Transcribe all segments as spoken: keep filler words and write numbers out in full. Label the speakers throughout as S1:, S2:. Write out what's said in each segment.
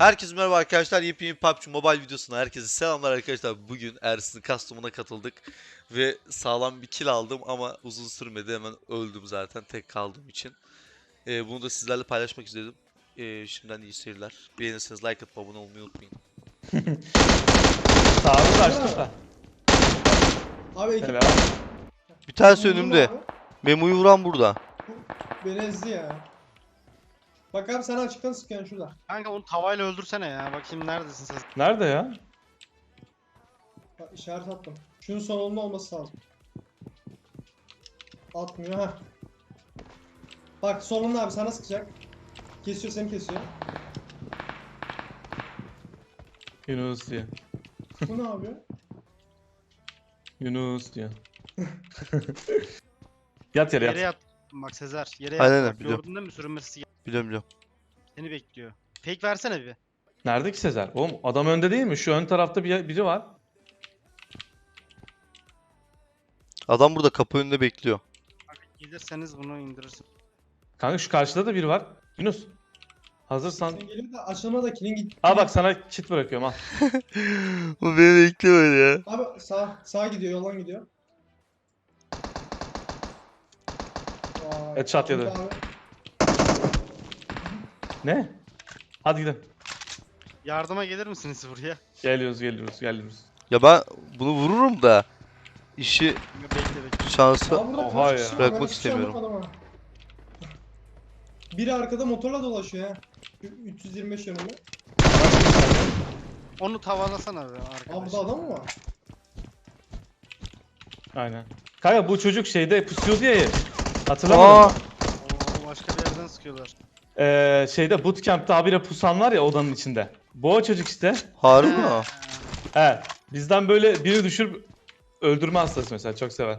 S1: Herkese merhaba arkadaşlar. Yepyeni P U B G Mobile videosuna herkese selamlar arkadaşlar. Bugün Ersin'in custom'una katıldık ve sağlam bir kill aldım ama uzun sürmedi, hemen öldüm zaten tek kaldığım için. Ee, bunu da sizlerle paylaşmak istedim. Ee, şimdiden iyi seyirler. Beğenirseniz like atıp abone olmayı unutmayın.
S2: Sağımız açtık da.
S3: Abi ekip
S2: Selam.
S1: Bir tanesi
S3: vurdum
S1: önümde.
S3: abi.
S1: Memo'yu vuran burada.
S3: Beni ezdi ya. Bak abi sen açıktan sıkıyorsun şurada.
S4: Kanka onu tavayla öldürsene ya. Bakayım neredesin sen?
S2: Nerede ya?
S3: Bak işaret attım. Şunun sonunda olması lazım. Atmıyor ha. Bak solunda abi sana sıkacak. Kesiyor seni kesiyor.
S2: Yunus diye.
S3: Bu ne yapıyor?
S2: Yunus diye. Yat yere
S4: Yere
S2: yat.
S4: yat. Bak Sezer. Yere
S1: Aynen,
S4: yat.
S1: aynen,
S4: Bak,
S1: biliyorum.
S4: gördün değil mi sürünmesi gel-
S1: Biliyorum biliyorum.
S4: seni bekliyor. Fake versene bir.
S2: Nerede ki Sezer? Oğlum adam önde değil mi? Şu ön tarafta bir biri var.
S1: Adam burada kapı önünde bekliyor.
S4: Bak gelirseniz bunu indirirsin.
S2: Kanka şu karşıda da biri var. Yunus. Hazırsan.
S3: Sen gelip de açılma da kilin git.
S2: Al bak sana kit bırakıyorum al.
S1: Bu beni bekliyor ya.
S3: Abi sağ sağ gidiyor yoldan gidiyor. Vay.
S2: Headshot yedi.
S3: Abi.
S2: Ne? Hadi gidelim.
S4: Yardıma gelir misiniz buraya?
S2: Geliyoruz geliyoruz geliyoruz.
S1: Ya ben bunu vururum da işi
S4: Bekle bekle.
S1: şansı.
S3: Aa, burada
S2: Oha
S3: kaç
S2: ya.
S3: kişi var?
S1: Bırakmak
S3: Ben hiçbir şey
S1: istemiyorum.
S3: anlamadım ha. Biri arkada motorla dolaşıyor ya. üç yüz yirmi beş yönünde.
S4: Onu tavalasana be
S3: Aa
S4: arkadaş.
S3: burada adam mı var?
S2: Aynen. Kanka bu çocuk şeyde pusuyordu ya.
S1: Aa,
S2: Hatırlamadın mı?
S4: Oo, başka bir yerden sıkıyorlar.
S2: Ee, şeyde bootcamp'ta habire pusan var ya odanın içinde. Bu o çocuk işte.
S1: harbi mi o?
S2: He. Bizden böyle biri düşürüp öldürme hastası mesela çok sever.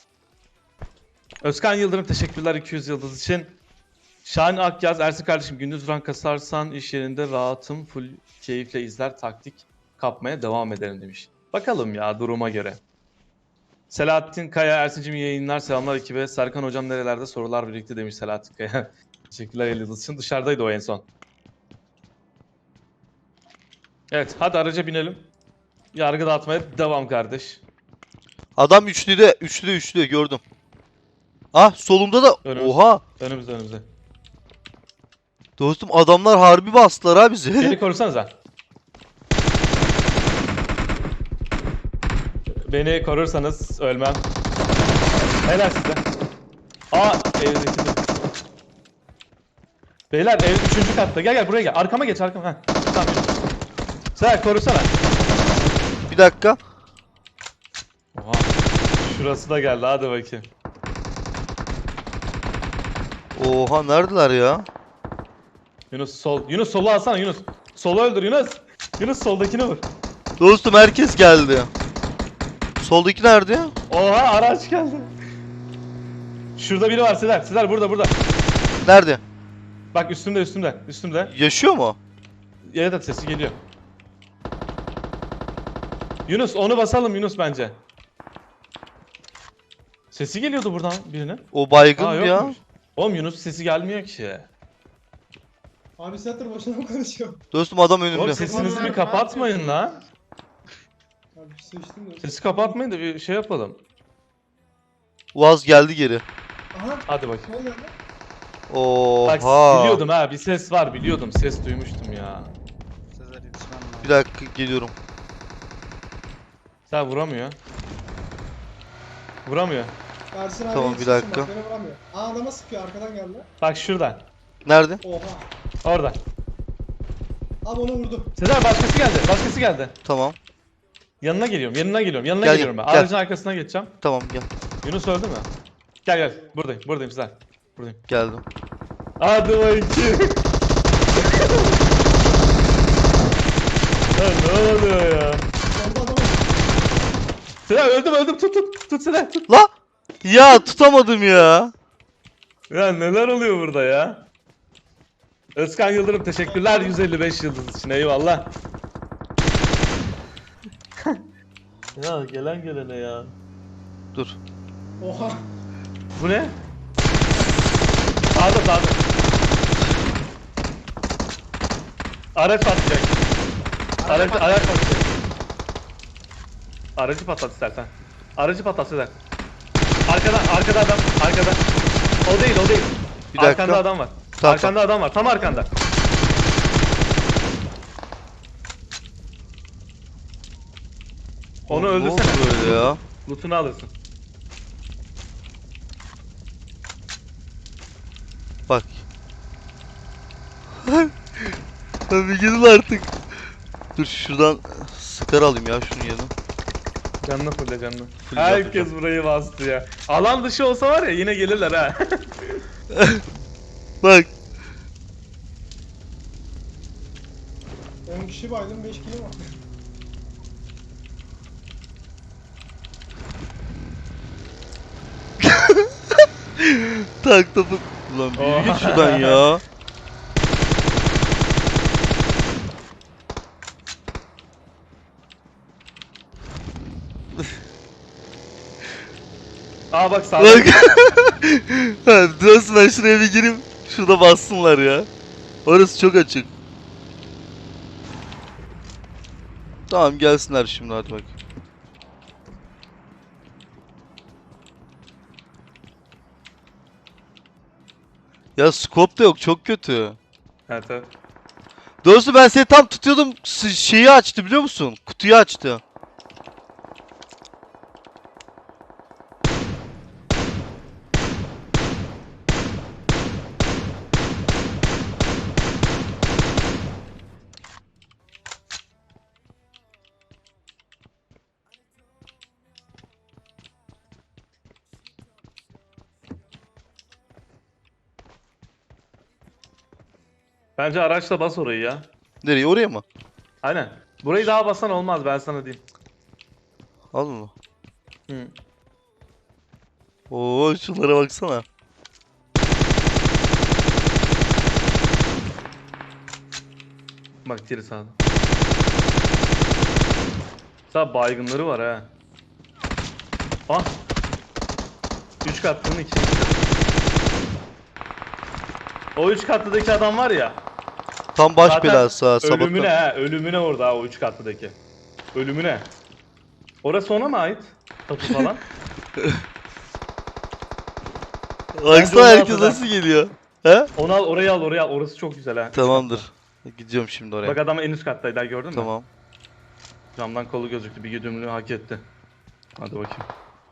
S2: Özkan Yıldırım teşekkürler iki yüz yıldız için. Şahin Akyaz, Ersin kardeşim gündüz rank kasarsan iş yerinde rahatım, full keyifle izler, taktik kapmaya devam ederim demiş. Bakalım ya duruma göre. Selahattin Kaya, Ersin'cim iyi yayınlar, selamlar ekibe. Serkan hocam nerelerde sorular birlikte demiş Selahattin Kaya. Teşekkürler elli yıldız için. Dışarıdaydı o en son. Evet hadi araca binelim. Yargı dağıtmaya devam kardeş.
S1: Adam üçlüde, üçlü üçlü gördüm. Ah solumda da.
S2: Önümüz.
S1: Oha.
S2: Önümüzde önümüzde.
S1: Dostum adamlar harbi bastılar ha bizi.
S2: Beni korusanıza. Beni korursanız ölmem. Helal size. Aa evdeki de. Beyler ev üçüncü katta. Gel gel buraya gel. Arkama geç arkama. Heh. Tamam. Sen korusana.
S1: Bir dakika.
S2: Oha. Şurası da geldi hadi bakayım.
S1: Oha neredeler ya?
S2: Yunus sol. Yunus solu alsana Yunus. Solu öldür Yunus. Yunus soldakini vur.
S1: Dostum herkes geldi. Soldaki nerede ya?
S2: Oha araç geldi. Şurada biri var Sezer. Sezer burada burada.
S1: Nerede?
S2: Bak üstümde üstümde üstümde.
S1: Yaşıyor mu?
S2: Evet evet sesi geliyor. Yunus onu basalım Yunus bence. Sesi geliyordu buradan birine.
S1: O baygın
S2: Aa,
S1: ya.
S2: yokmuş. Oğlum Yunus sesi gelmiyor ki.
S3: Abi satır boşuna mı konuşuyor?
S1: Dostum adam
S2: Oğlum
S1: önümde.
S2: sesinizi bir kapatmayın lan.
S3: Abi bir su içtim de.
S2: Sesi kapatmayın da bir şey yapalım.
S1: Uaz geldi geri.
S3: Aha.
S2: Hadi bakayım.
S3: Ne oluyor lan?
S2: Bak
S1: Oha.
S2: biliyordum ha bir ses var biliyordum ses duymuştum ya.
S4: Sezer yetişmem lazım.
S1: Bir dakika geliyorum.
S2: Sen vuramıyor. Vuramıyor.
S3: Ersin abi
S1: Tamam, bir
S3: yetişsin,
S1: dakika.
S3: bak beni vuramıyor. Aa adama sıkıyor arkadan geldi.
S2: Bak şuradan.
S1: Nerede?
S3: Oha.
S2: Orada.
S3: Abi onu vurdu.
S2: Sezer başkası geldi. Başkası geldi.
S1: Tamam.
S2: Yanına geliyorum. Yanına geliyorum. Yanına
S1: Gel,
S2: geliyorum ben.
S1: gel.
S2: Aracın arkasına geçeceğim.
S1: Tamam gel.
S2: Yunus öldü mü? Gel gel. Buradayım. Buradayım Sezer. Buradayım.
S1: Geldim.
S2: Hadi bakayım. Ya ne oluyor ya?
S3: Solda adam.
S2: Sezer öldüm öldüm tut tut. Tut Sezer tut.
S1: La! Ya tutamadım ya.
S2: Ya neler oluyor burada ya? Özkan Yıldırım teşekkürler yüz elli beş yıldız için eyvallah. Ya gelen gelene ya.
S1: Dur.
S3: Oha.
S2: Bu ne? Sağda sağda. Araç patlayacak. Araç,
S4: Araba-
S2: araç patlayacak. Aracı patlat istersen. Aracı patlat Sezer. Arkada, arkada adam, arkada. O değil, o değil.
S1: Bir dakika.
S2: Arkanda adam var.
S1: Tamam,
S2: arkanda adam var, tam arkanda. Onu
S1: Oğlum, ne oldu
S2: öldürsene.
S1: böyle ya?
S2: Loot'unu alırsın.
S1: Bak. Lan bir gidin artık. Dur şuradan sıkar alayım ya şunun yerine.
S2: Canına fulle canına.
S1: Full
S2: Herkes
S1: yapacağım.
S2: burayı bastı ya. Alan dışı olsa var ya yine gelirler ha.
S1: Bak.
S3: on kişi baydım beş kilo var.
S1: Tak topu. Ulan bir git şuradan ya.
S2: Aa bak sağda.
S1: Bak. Ha, diyorsun ben şuraya bir gireyim. Şurada bassınlar ya. Orası çok açık. Tamam gelsinler şimdi hadi bak. Ya scope da yok çok kötü.
S2: Evet evet.
S1: Doğrusu ben seni tam tutuyordum s- şeyi açtı biliyor musun? Kutuyu açtı.
S2: Bence araçla bas orayı ya.
S1: Nereye oraya mı?
S2: Aynen. Burayı daha basan olmaz ben sana diyeyim.
S1: Al onu.
S2: Hı.
S1: Oo şunlara baksana.
S2: Bak geri sağda. Sağ baygınları var ha. Ah. Üç katlının iki. O üç katlıdaki adam var ya.
S1: Tam baş
S2: Zaten
S1: belası ha
S2: ölümüne
S1: sabahtan.
S2: ha. Ölümüne orada ha, o üç katlıdaki. Ölümüne. Orası ona mı ait? Tapu falan.
S1: Baksana
S2: onu
S1: herkes
S2: altıda.
S1: nasıl geliyor. He?
S2: Onu al oraya al oraya al. Orası çok güzel ha. Üç
S1: Tamamdır. Gidiyorum şimdi
S2: katlı.
S1: oraya.
S2: Bak adam en üst kattaydı ha, gördün mü?
S1: Tamam.
S2: Camdan kolu gözüktü. Bir güdümlü hak etti. Hadi bakayım.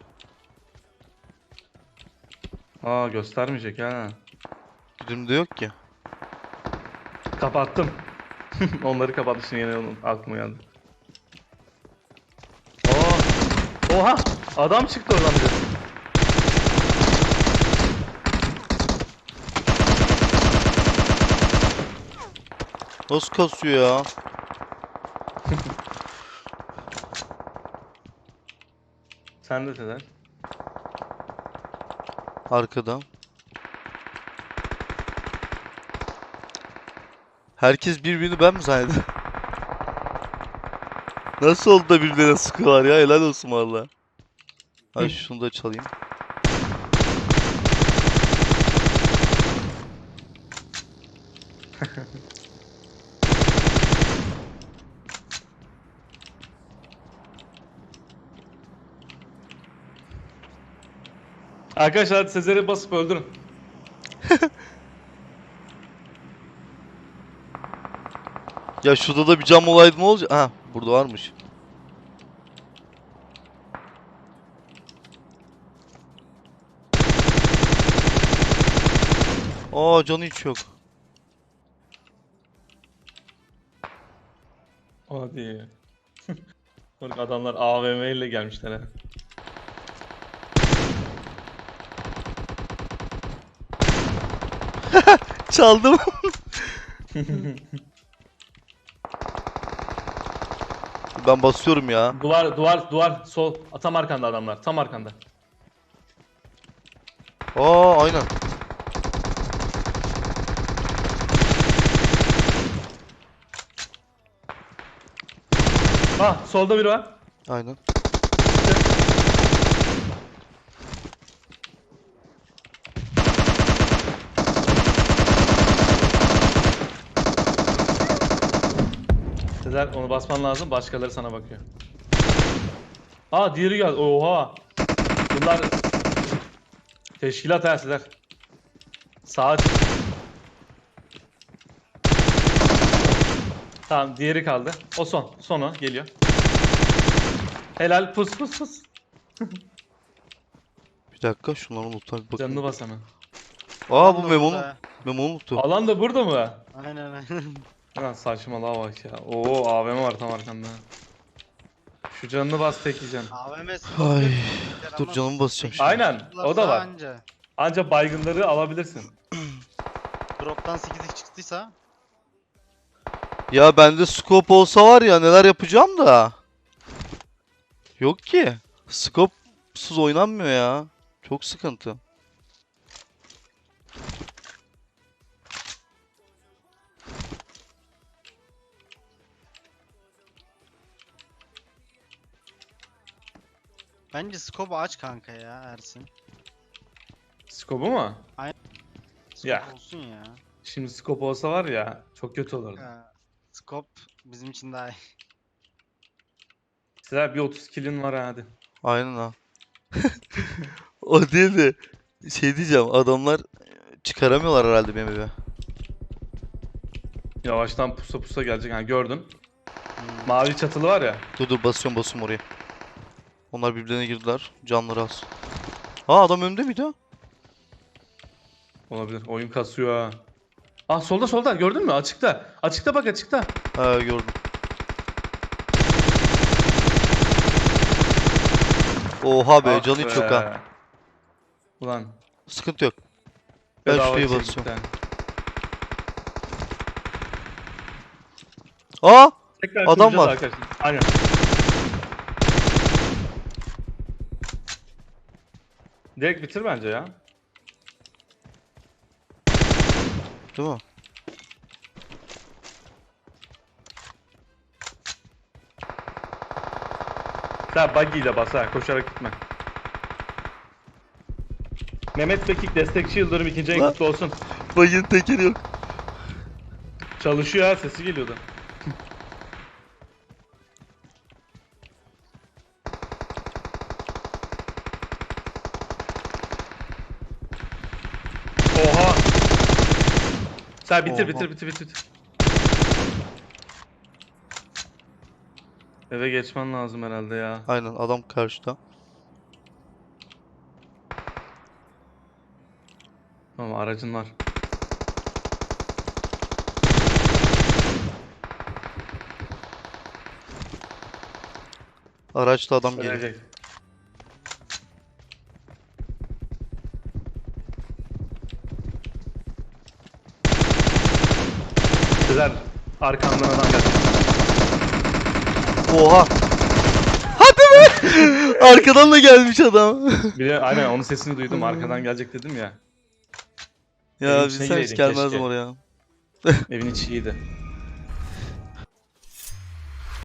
S2: Aa göstermeyecek ha.
S1: Güdümde yok ki.
S2: Kapattım. Onları kapattı şimdi yine onun aklıma geldi. Aa, oha! Adam çıktı oradan bir de.
S1: Nasıl kasıyor ya?
S2: Sen de Sezer.
S1: Arkadan. Herkes birbirini ben mi zannediyor? Nasıl oldu da birbirine sıkıyorlar ya? Helal olsun valla. Ay şunu da çalayım.
S2: Arkadaşlar hadi Sezer'i basıp öldürün.
S1: Ya şurada da bir cam olaydı ne olacak? Ha burada varmış. Aa canı hiç yok.
S2: Hadi. Bak adamlar A V M ile gelmişler ha.
S1: Çaldım. Ben basıyorum ya.
S2: Duvar duvar duvar sol. Tam arkanda adamlar. Tam arkanda.
S1: Aa aynen.
S2: Ah solda biri var.
S1: Aynen.
S2: Sezer onu basman lazım. Başkaları sana bakıyor. Aa diğeri geldi. Oha. Bunlar teşkilat ha Sezer. Saat. Tamam diğeri kaldı. O son. Sonu geliyor. Helal pus pus pus.
S1: Bir dakika şunları unutma bir bakayım.
S2: Canını bas hemen.
S1: Aa
S4: Tam
S1: bu
S4: da
S1: Memo'nun.
S4: burada.
S1: Memo unuttu.
S2: Alan da burada mı?
S4: Aynen aynen.
S2: Lan saçmalığa bak ya. Oo A V M var tam arkanda. Şu canını bas tek yiyeceksin.
S4: A V M
S1: Ay, dur canımı basacağım şimdi.
S2: Aynen, o da var.
S4: Anca.
S2: Anca baygınları alabilirsin.
S4: Drop'tan sekiz x çıktıysa
S1: Ya bende scope olsa var ya neler yapacağım da. Yok ki. Scope'suz oynanmıyor ya. Çok sıkıntı.
S4: bence scope'u aç kanka ya Ersin.
S2: Scope'u mu?
S4: Scope
S2: Ya.
S4: olsun ya.
S2: Şimdi scope olsa var ya çok kötü olurdu.
S4: Ya, Scope bizim için daha iyi.
S2: Sizler bir otuz kill'in var ha, hadi.
S1: Aynen ha. O değil de şey diyeceğim adamlar çıkaramıyorlar herhalde benim eve.
S2: Yavaştan pusa pusa gelecek. Ha gördün.
S4: Hmm.
S2: Mavi çatılı var ya.
S1: Dur dur basıyorum basıyorum oraya. Onlar birbirlerine girdiler. Canları az. Aa adam önümde miydi?
S2: Olabilir. Oyun kasıyor ha. Ah solda solda gördün mü? Açıkta. Açıkta bak açıkta.
S1: Ha gördüm. Oha be
S2: Ah
S1: canı hiç yok ha.
S2: be. Ulan.
S1: Sıkıntı yok. Ben
S2: bedava
S1: şuraya
S2: çektik
S1: basıyorum.
S2: yani.
S1: Aa!
S2: Tekrar
S1: Adam
S2: kuracağız
S1: var.
S2: arkadaşlar. Aynen. Direkt bitir bence ya.
S1: Değil mi?
S2: Sen buggy ile bas ha, koşarak gitme. Mehmet Bekik destekçi Yıldırım ikinci en
S1: Lan.
S2: kutlu olsun.
S1: Bayın tekeri yok.
S2: Çalışıyor ha, sesi geliyordu. Oha. Sen bitir
S1: Oha.
S2: bitir bitir bitir. Eve geçmen lazım herhalde ya.
S1: Aynen adam karşıda.
S2: Tamam aracın var.
S1: Araçta adam geliyor.
S2: Gelecek. Sezer arkamdan adam geldi.
S1: Oha! Hadi be! Arkadan da gelmiş adam.
S2: Bir de aynen onun sesini duydum, arkadan gelecek dedim ya.
S1: Ya
S2: Evin
S1: biz
S2: içine
S1: sen hiç
S2: gireydin
S1: gelmezdim
S2: keşke.
S1: oraya.
S2: Evin içi iyiydi.